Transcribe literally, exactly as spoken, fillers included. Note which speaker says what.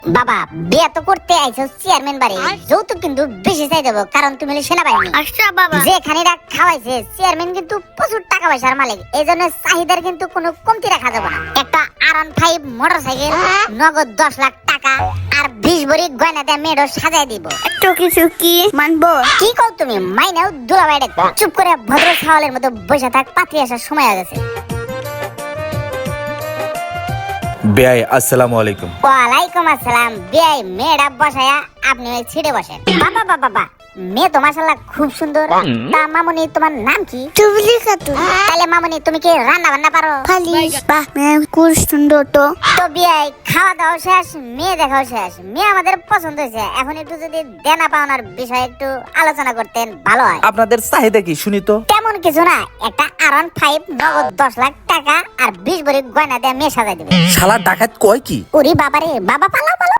Speaker 1: বাবা বিয়ে তো করতে আইছো চেয়ারম্যান বাড়ি, যৌতুক কিন্তু বেশি চাই দেবো, কারণ তুমি হলে সেনাবাহিনী।
Speaker 2: আচ্ছা বাবা।
Speaker 1: যে খানিরা খাওয়াইছে চেয়ারম্যান কিন্তু প্রচুর টাকা পয়সার মালিক, এই জন্য চাহিদার কিন্তু কোনো কমতি রাখা যাবে না। একটা R one five motorcycle, নগদ দশ লাখ টাকা আর বিশ ভরি গয়না দিয়ে মেয়েরও সাজাই দিব।
Speaker 2: একটু কিছু কি মানবো?
Speaker 1: কি কও তুমি? মাইনাও দুলাভাই ডাক। চুপ করে ভদ্র ছাওয়ালের মতো বসে থাক, পাত্রী আসার সময় হয়ে গেছে।
Speaker 3: বেয়াই আসসালামু আলাইকুম।
Speaker 1: ওয়ালাইকুম আসসালাম। বিয়াই মেয়েরা বসায়া আপনি ওই ছিটে বসেন। বাবা বাবা বাবা, মেয়ে তো মাশাআল্লাহ খুব সুন্দর। তা মামুনি তোমার নাম কি?
Speaker 2: চুবলি খাতুন।
Speaker 1: তাহলে মামুনি তুমি কি রান্না বান্না পারো?
Speaker 2: ফালিশ বাহ মেয়ে খুব সুন্দর তো।
Speaker 1: তো বিয়াই খাওয়া দাওয়া শেষ, মেয়ে দেখাও শেষ, মেয়ে আমাদের পছন্দ হয়েছে। এখন একটু যদি দেনা পাওনার বিষয়ে একটু আলোচনা করতেন ভালো হয়।
Speaker 3: আপনাদের চাহিদা কি শুনি তো?
Speaker 1: তেমন কিছু না, একটা আর ওয়ান ফাইভ, নগদ দশ লাখ টাকা আর বিশ ভরি গয়না দিয়ে মেয়ে সাজাই দিবে।
Speaker 3: শালা ডাকাত কয় কি?
Speaker 1: ওরে বাবারে বাবা, পালাও পালাও।